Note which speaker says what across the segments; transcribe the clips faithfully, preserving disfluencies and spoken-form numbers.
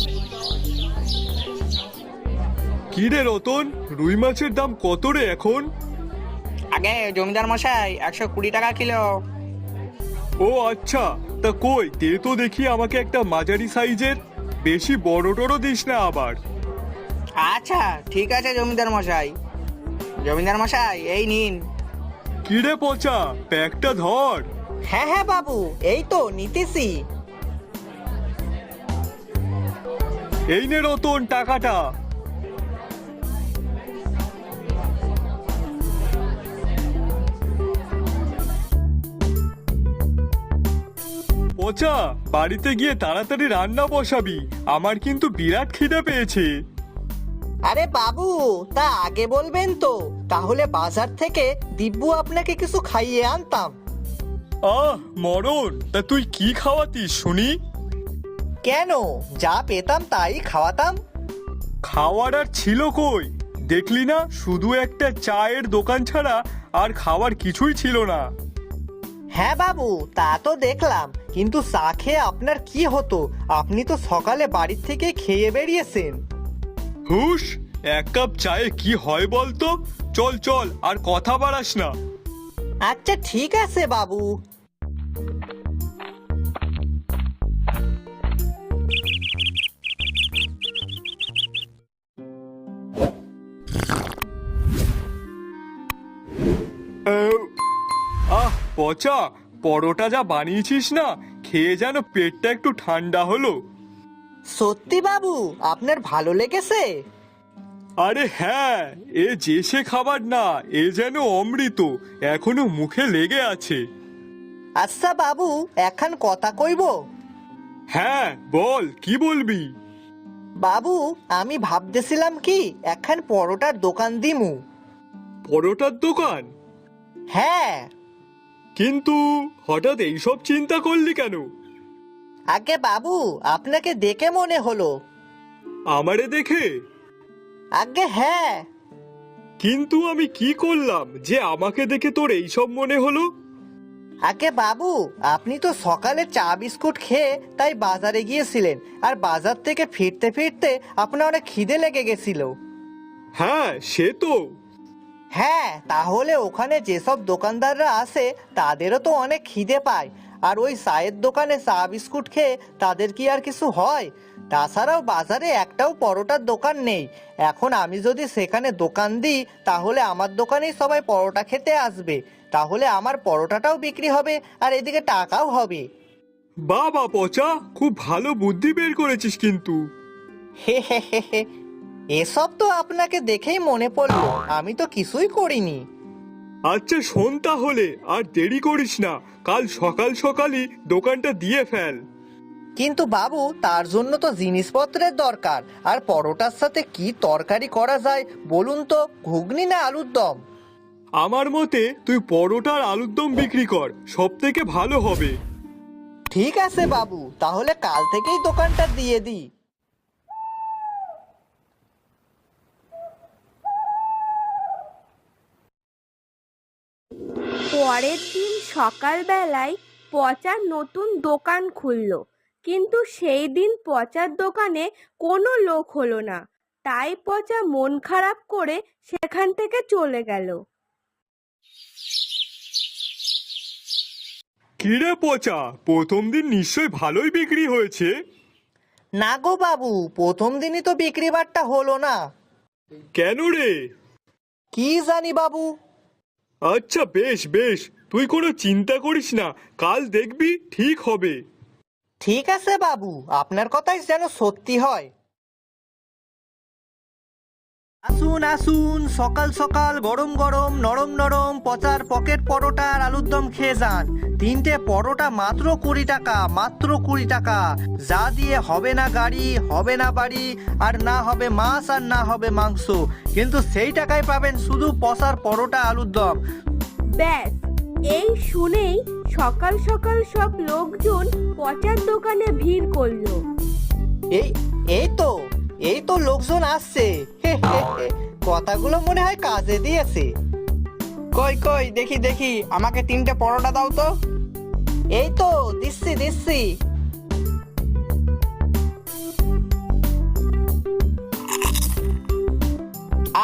Speaker 1: কি রে রতন, রুই মাছের দাম কত রে এখন?
Speaker 2: আগে জমিদার মশাই একশো কুড়ি টাকা কিলো।
Speaker 1: ও আচ্ছা, তা কই দে তো দেখি আমাকে একটা মাঝারি সাইজের, বেশি বড় টড় দিস না আবার।
Speaker 2: আচ্ছা ঠিক আছে জমিদার মশাই। জমিদার মশাই এই নিন।
Speaker 1: কি রে পচা, প্যাকটা ধর।
Speaker 2: হ্যাঁ হ্যাঁ বাবু, এই তো নিতেছি।
Speaker 1: এই নে রতন টাকাটা। পচা, বাড়িতে গিয়ে তাড়াতাড়ি রান্না বসাবি, আমার কিন্তু বিরাট খিদে পেয়েছে।
Speaker 3: আরে বাবু, তা আগে বলবেন তো, তাহলে বাজার থেকে দিব্যু আপনাকে কিছু খাইয়ে আনতাম।
Speaker 1: আহ মরণ, তা তুই কি খাওয়াতিস শুনি?
Speaker 3: কেন, যা পেতাম তাই খাওয়াতাম।
Speaker 1: খাওয়ার আর ছিল কই? দেখলি না, শুধু একটা চায়ের দোকান ছাড়া আর খাওয়ার কিছুই ছিল না।
Speaker 3: হ্যাঁ বাবু, তা তো দেখলাম, কিন্তু চা খেয়ে আপনার কি হতো? আপনি তো সকালে বাড়ির থেকে খেয়ে বেরিয়েছেন।
Speaker 1: হুশ, এক কাপ চায়ে কি হয় বলতো? চল চল, আর কথা বাড়াস না।
Speaker 3: আচ্ছা ঠিক আছে বাবু।
Speaker 1: আহ, আহ পচা, পরোটা যা বানিয়েছিস না, খেয়ে যেন পেটটা একটু ঠান্ডা হলো।
Speaker 3: সত্যি বাবু, আপনার ভালো লেগেছে?
Speaker 1: আরে হ্যাঁ, এ যে সে খাবার না, এ যেন অমৃত, এখনো মুখে লেগে আছে।
Speaker 3: আচ্ছা বাবু, এখন কথা কইব।
Speaker 1: হ্যাঁ বল, কি বলবি?
Speaker 3: বাবু, আমি ভাবতেছিলাম কি এখন পরোটার দোকান দিমু।
Speaker 1: পরোটার দোকান?
Speaker 3: হ্যাঁ।
Speaker 1: কিন্তু হঠাৎ এইসব চিন্তা করলি কেন?
Speaker 3: আগে বাবু, আপনাকে দেখে মনে হলো।
Speaker 1: আমারে দেখে?
Speaker 3: আগে হ্যাঁ।
Speaker 1: কিন্তু আমি কি করলাম যে আমাকে দেখে তোর এইসব মনে হলো?
Speaker 3: আগে বাবু, আপনি তো সকালে চা বিস্কুট খেয়ে তাই বাজারে গিয়েছিলেন, আর বাজার থেকে ফিরতে ফিরতে আপনার অনেক খিদে লেগে গেছিল।
Speaker 1: হ্যাঁ সে তো।
Speaker 3: হ্যাঁ, তাহলে ওখানে যেসব দোকানদাররা আসে তাদেরও তো অনেক খিদে পায়, আর ওই চায়ের দোকানে চা বিস্কুট খেয়ে তাদের কি আর কিছু হয়? তাছাড়াও বাজারে একটাও পরোটার দোকান নেই। এখন আমি যদি সেখানে দোকান দিই তাহলে আমার দোকানেই সবাই পরোটা খেতে আসবে, তাহলে আমার পরোটাটাও বিক্রি হবে আর এদিকে টাকাও হবে।
Speaker 1: বাবা পচা, খুব ভালো বুদ্ধি বের করেছিস কিন্তু।
Speaker 3: হে হে হে হে, এসব তো আপনাকে দেখেই মনে পড়লো, আমি তো কিছুই করিনি।
Speaker 1: আচ্ছা শোন তাহলে, আর দেরি করিস না, কাল সকাল সকালই দোকানটা দিয়ে ফেল।
Speaker 3: কিন্তু বাবু, তার জন্য তো জিনিসপত্রের দরকার, আর পরোটার সাথে কি তরকারি করা যায় বলুন তো, ঘুগনি না আলুর দম?
Speaker 1: আমার মতে তুই পরোটার আলুর দম বিক্রি কর, সব থেকে ভালো হবে।
Speaker 3: ঠিক আছে বাবু, তাহলে কাল থেকেই দোকানটা দিয়ে দিই।
Speaker 4: পরের দিন সকালবেলায় পচার নতুন দোকান খুলল, কিন্তু সেই দিন পচার দোকানে কোনো লোক হলো না। তাই পচা মন খারাপ করে সেখান থেকে চলে গেল।
Speaker 1: কিরে পচা, প্রথম দিন নিশ্চয় ভালোই বিক্রি হয়েছে?
Speaker 3: না গো বাবু, প্রথম দিনই তো বিক্রি বাট্টা হলো না।
Speaker 1: কেন রে?
Speaker 3: কি জানি বাবু।
Speaker 1: আচ্ছা বেশ বেশ, তুই কোনো চিন্তা করিস না, কাল দেখবি ঠিক হবে।
Speaker 3: ঠিক আছে বাবু, আপনার কথাই যেন সত্যি হয়। আসুন আসুন, সকাল সকাল গরম গরম নরম নরম পচার পকেট পরোটা আর আলুর দম খেয়ে যান। তিনটে পরোটা মাত্র কুড়ি টাকা, মাত্র কুড়ি টাকা। যা দিয়ে হবে না গাড়ি, হবে না বাড়ি, আর না হবে মাছ আর না হবে মাংস, কিন্তু সেই টাকায় পাবেন শুধু পচার পরোটা আলুর দম।
Speaker 4: ব্যাস, এই শুনেই সকাল সকাল সব লোকজন পচার দোকানে ভিড় করলো।
Speaker 3: এই এই তো এই তো লোকজন আসছে। হে হে হে, কথাগুলো মনে হয় কাজে দিয়েছে।
Speaker 2: কই কই দেখি দেখি, আমাকে তিনটে পরোটা দাও তো।
Speaker 3: এই তো দিচ্ছি দিচ্ছি।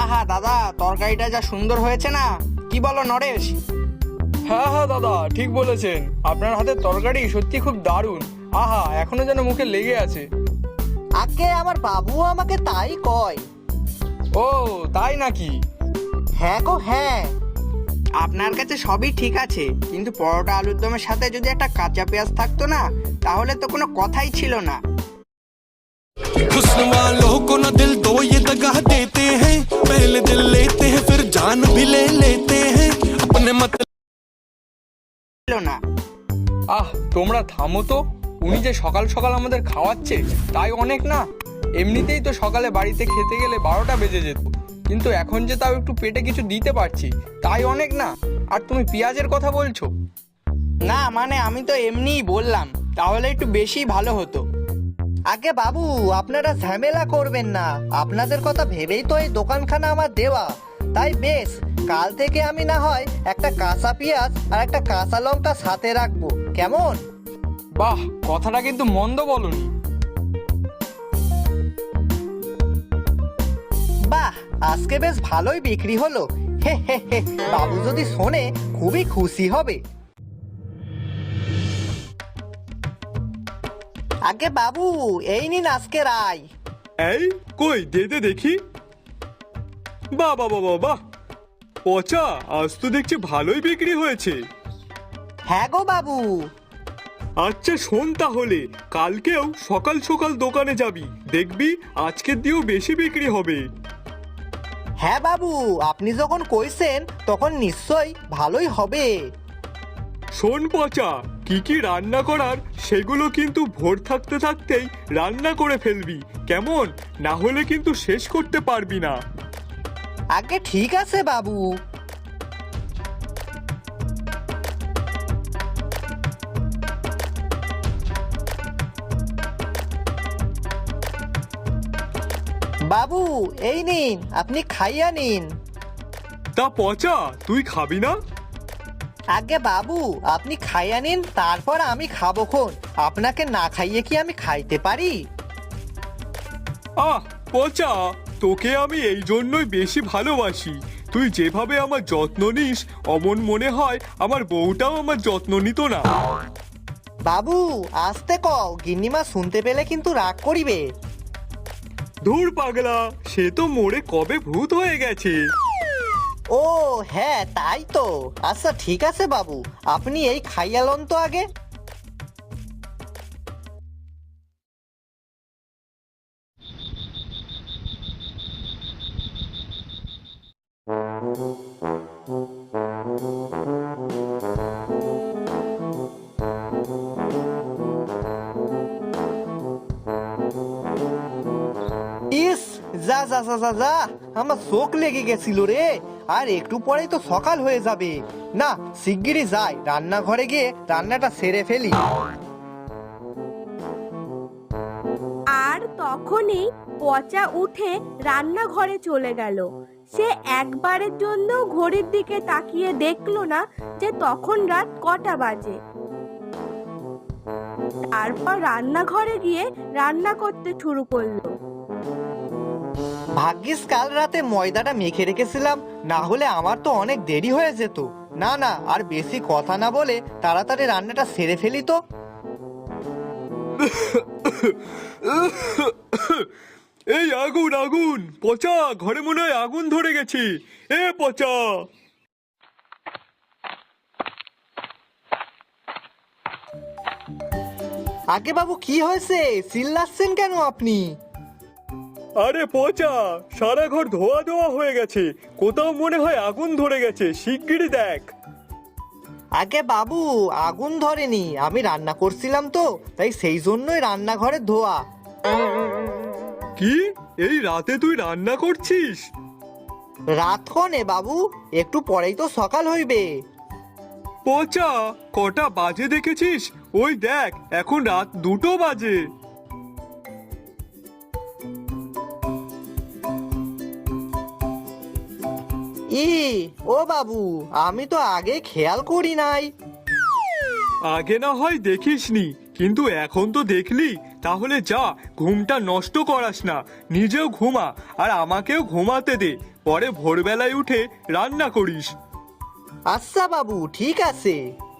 Speaker 2: আহা দাদা, তরকারিটা যা সুন্দর হয়েছে না, কি বলো নরেশ?
Speaker 1: হ্যাঁ হ্যাঁ দাদা, ঠিক বলেছেন। আপনার হাতের তরকারি সত্যি খুব দারুণ। আহা, এখনো যেন মুখে লেগে আছে।
Speaker 3: আগে আমার বাবুও আমাকে তাই কয়।
Speaker 1: ও তাই নাকি?
Speaker 3: হ্যাঁ গো হ্যাঁ।
Speaker 2: আপনার কাছে সবই ঠিক আছে, কিন্তু পরোটা আলুর দমের সাথে যদি একটা কাঁচা পেঁয়াজ থাকতো না, তাহলে তো কোনো কথাই ছিল না।
Speaker 5: हुस्न वालों को न दिल दो ये दगा देते हैं, पहले दिल लेते हैं फिर जान भी ले लेते हैं, अपने मत
Speaker 2: ছিল না।
Speaker 1: আহ, তোমরা থামো তো। উনি যে সকাল সকাল আমাদের খাওয়াচ্ছে তাই অনেক না? এমনিতেই তো সকালে বাড়িতে খেতে গেলে বারোটা বেজে যেত, কিন্তু এখন যে তাও একটু পেটে কিছু দিতে পারছি তাই অনেক না? আর তুমি পেঁয়াজের কথা বলছো?
Speaker 2: না মানে আমি তো এমনিই বললাম, তাহলে একটু বেশি ভালো হতো।
Speaker 3: আগে বাবু, আপনারা ঝামেলা করবেন না, আপনাদের কথা ভেবেই তো এই দোকানখানা আমার দেওয়া। তাই বেশ, কাল থেকে আমি না হয় একটা কাঁচা পেঁয়াজ আর একটা কাঁচা লঙ্কা সাথে রাখবো, কেমন?
Speaker 1: বাহ, কথাটা কিন্তু মন্দ বলনি।
Speaker 3: বাহ, আজকে বেশ ভালোই বিক্রি হলো। হে হে হে, বাবু যদি শোনে খুবই খুশি হবে। আগে বাবু, এই নিন আজকের আয়।
Speaker 1: এই কই, দে দে দেখি। বাহ বাহ বাহ বাহ, পচা, আজ তো দেখছি ভালোই বিক্রি হয়েছে।
Speaker 3: হ্যাঁ গো বাবু।
Speaker 1: আচ্ছা শোন তাহলে, কালকেও সকাল সকাল দোকানে যাবি, দেখবি আজকের দিয়েও বেশি বিক্রি হবে।
Speaker 3: হ্যাঁ বাবু, আপনি যখন কইছেন তখন নিশ্চয়ই ভালোই হবে।
Speaker 1: শোন পচা, কি কি রান্না করার সেগুলো কিন্তু ভোর থাকতে থাকতেই রান্না করে ফেলবি, কেমন? না হলে কিন্তু শেষ করতে পারবি না।
Speaker 3: আগে ঠিক আছে বাবু। বাবু এই নিন, আপনি খাইয়া নিন।
Speaker 1: তা পচা, তুই খাবি না?
Speaker 3: আগে বাবু, আপনি খাইয়া নিন, তারপর আমি খাবো খন। আপনাকে না খাইয়ে কি আমি খাইতে পারি?
Speaker 1: আহ পচা, তোকে আমি এই জন্যই বেশি ভালোবাসি। তুই যেভাবে আমার যত্ন নিস, অমন মনে হয় আমার বউটাও আমার যত্ন নিত না।
Speaker 3: বাবু আসতে কও, গিন্নিমা শুনতে পেলে কিন্তু রাগ করিবে।
Speaker 1: ধুর পাগলা, সে তো মোড়ে কবে ভূত হয়ে গেছে।
Speaker 3: ও হ্যাঁ, তাই তো। আচ্ছা ঠিক আছে বাবু, আপনি এই খাইয়া লন তো আগে। ইস, যা যা যা যা যা, আমার চোখ লেগে গেছিল রে। আর একটু পরেই তো সকাল হয়ে যাবে। না, শিগগিরই যাই, রান্নাঘরে গিয়ে রান্নাটা সেরে ফেলি।
Speaker 4: আর তখনই পচা উঠে রান্নাঘরে চলে গেল। সে একবারের জন্য ঘড়ির দিকে তাকিয়ে দেখলো না যে তখন রাত কটা বাজে। তারপর রান্নাঘরে গিয়ে রান্না করতে শুরু করলো।
Speaker 3: ভাগ্যিস কাল রাতে ময়দাটা মেখে রেখেছিলাম, না হলে আমার তো অনেক দেরি হয়ে যেত। না না, আর বেশি কথা না বলে তাড়াতাড়ি রান্নাটা সেরে ফেলি তো।
Speaker 1: এই আগুন আগুন, পচা, ঘরে মনে হয় আগুন ধরে গেছে। এ পচা!
Speaker 3: আগে বাবু, কি হয়েছে? চিল্লাচ্ছেন কেন আপনি?
Speaker 1: আরে পচা, সারা ঘর ধোয়া ধোয়া হয়ে গেছে, কোথাও মনে হয় আগুন ধরে গেছে, শিগগিরই দেখ।
Speaker 3: আগে বাবু, আগুন ধরেনি, আমি রান্না করছিলাম তো, তাই সেই জন্যই রান্নাঘরে ধোয়া।
Speaker 1: কি, এই রাতে তুই রান্না করছিস?
Speaker 3: রাত কনে বাবু, একটু পরেই তো সকাল হইবে।
Speaker 1: পচা, কটা বাজে দেখেছিস? ওই দেখ, এখন রাত দুটো বাজে।
Speaker 3: ই ও বাবু, আমি তো আগে খেয়াল করি নাই।
Speaker 1: আগে না হয় দেখিসনি, কিন্তু এখন তো দেখলি, তাহলে যা, ঘুমটা নষ্ট করাস না, নিজেও ঘুমা আর আমাকেও ঘুমাতে দে।
Speaker 6: পরে ভোরবেলায় উঠে রান্না করিস।
Speaker 3: আচ্ছা বাবু, ঠিক আছে।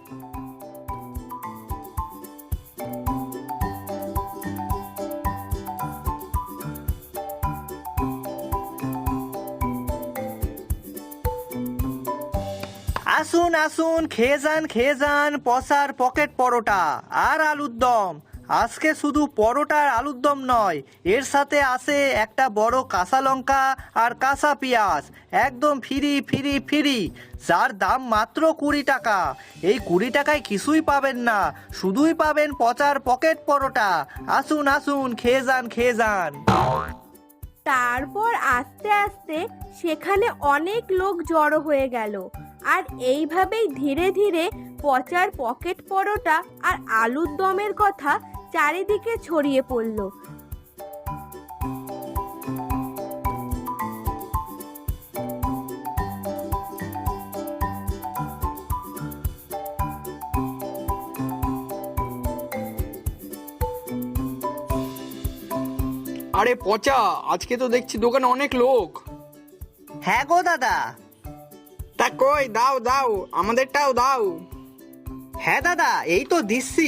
Speaker 3: আসুন আসুন, খেয়ে যান খেয়ে যান পচার পকেট পরোটা আর আলুর দম। আজকে শুধু পরোটা আর আলুর দম নয়, এর সাথে আছে একটা বড় কাঁচা লঙ্কা আর কাঁচা পেঁয়াজ, একদম ফ্রি ফ্রি ফ্রি, যার দাম মাত্র কুড়ি টাকা। এই কুড়ি টাকায় কিছুই পাবেন না, শুধুই পাবেন পচার পকেট পরোটা। আসুন আসুন, খেয়ে যান খেয়ে যান।
Speaker 4: তারপর আস্তে আস্তে সেখানে অনেক লোক জড়ো হয়ে গেল, আর এইভাবেই ধীরে ধীরে পচার পকেট পরোটা আর আলুর দমের কথা চারিদিকে ছড়িয়ে পড়ল।
Speaker 1: আরে পচা, আজকে তো দেখছি দোকানে অনেক লোক।
Speaker 3: হ্যাঁ গো দাদা।
Speaker 2: তা কই, দাও দাও, আমাদেরটাও দাও।
Speaker 3: হ্যাঁ দাদা, এই তো দিচ্ছি।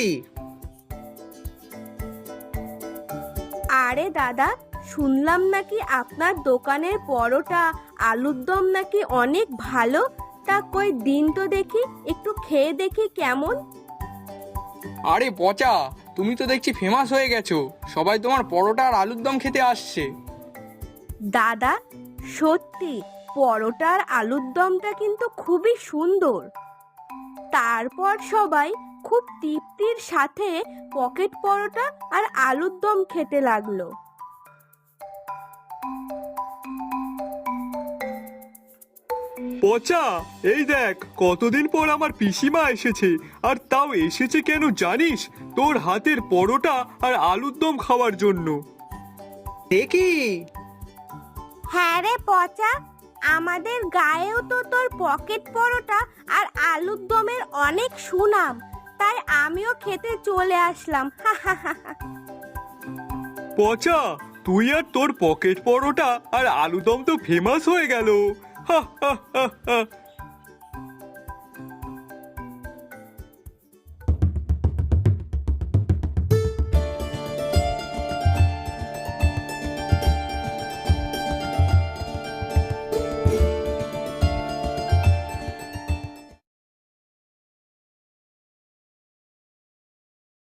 Speaker 4: আরে দাদা, শুনলাম নাকি আপনার দোকানের পরোটা আলুর দম নাকি অনেক ভালো। তা কই দিন তো দেখি, একটু খেয়ে দেখি কেমন।
Speaker 1: আরে পচা, তুমি তো দেখছি ফেমাস হয়ে গেছো, সবাই তোমার পরোটা আর আলুর দম খেতে আসছে।
Speaker 4: দাদা সত্যি পরোটা আর আলুর দমটা কিন্তু খুবই সুন্দর। তারপর সবাই খুব তৃপ্তির সাথে পকেট পরোটা আর আলুর দম খেতে লাগলো।
Speaker 6: পচা, এই দেখ কতদিন পর আমার পিসিমা এসেছে, আর তাও এসেছে কেন জানিস? তোর হাতের পরোটা আর আলুর দম খাওয়ার জন্য।
Speaker 3: দেখি।
Speaker 4: হ্যাঁ রে পচা, আমাদের গায়েও তো তোর পকেট পরোটা আর আলুর দমের অনেক সুনাম, তাই আমিও খেতে চলে আসলাম।
Speaker 6: পচা, তুই আর তোর পকেট পরোটা আর আলু দম তো ফেমাস হয়ে গেল। হা হা হা হা।